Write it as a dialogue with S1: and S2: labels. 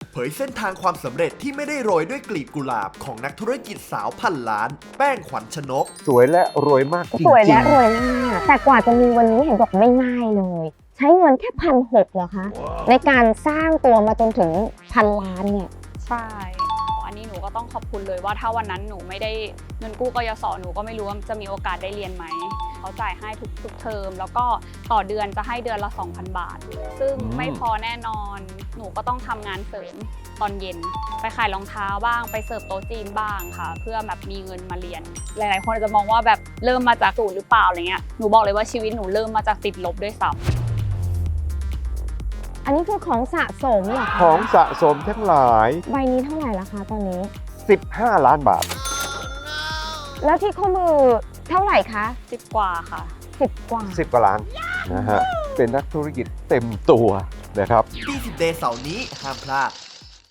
S1: เผยเส้นทางความสำเร็จที่ไม่ได้โรยด้วยกลีบกุหลาบของนักธุรกิจสาวพันล้าน แป้งขวัญชนก
S2: สวยและรวยมากจริงๆ
S3: สวยและรวยมากแต่กว่าจะมีวันนี้เห็นบอกไม่ง่ายเลย ใช้เงินแค่1,600เหรอคะในการสร้างตัวมาจนถึง1,000 ล้านเนี่ย
S4: ใช่ อันนี้หนูก็ต้องขอบคุณเลยว่าถ้าวันนั้นหนูไม่ได้เงินกู้กยศหนูก็ไม่รู้ว่าจะมีโอกาสได้เรียนไหม เขาจ่ายให้ทุกเทอมแล้วก็ต่อเดือนจะให้เดือนละ 2,000 บาท ซึ่งไม่พอแน่นอน หนูก็ต้องทำงานเสริมตอนเย็น ไปขายรองเท้าบ้างไปเสิร์ฟโต๊ะจีนบ้างค่ะ เพื่อแบบมีเงินมาเรียน หลายๆคนอาจจะมองว่าแบบเริ่มมาจากศูนย์หรือเปล่าอะไรเงี้ย หนูบอกเลยว่าชีวิตหนูเริ่มมาจากติดลบด้วยซ้ำ
S3: อันนี้คือของสะสมเหรอคะ
S2: ของสะสมทั้งหลาย
S3: ใบนี้เท่าไหร่ละคะตอนนี้
S2: 15 ล้านบาท
S3: แล้วที่ข้อมือเท่าไหร่คะ
S4: 10 กว่าค่ะ
S3: 10 กว่า
S2: 10 กว่าล้านนะฮะเป็นนักธุรกิจเต็มตัวนะครับ
S1: 20 Day เสาร์นี้ห้ามพลาด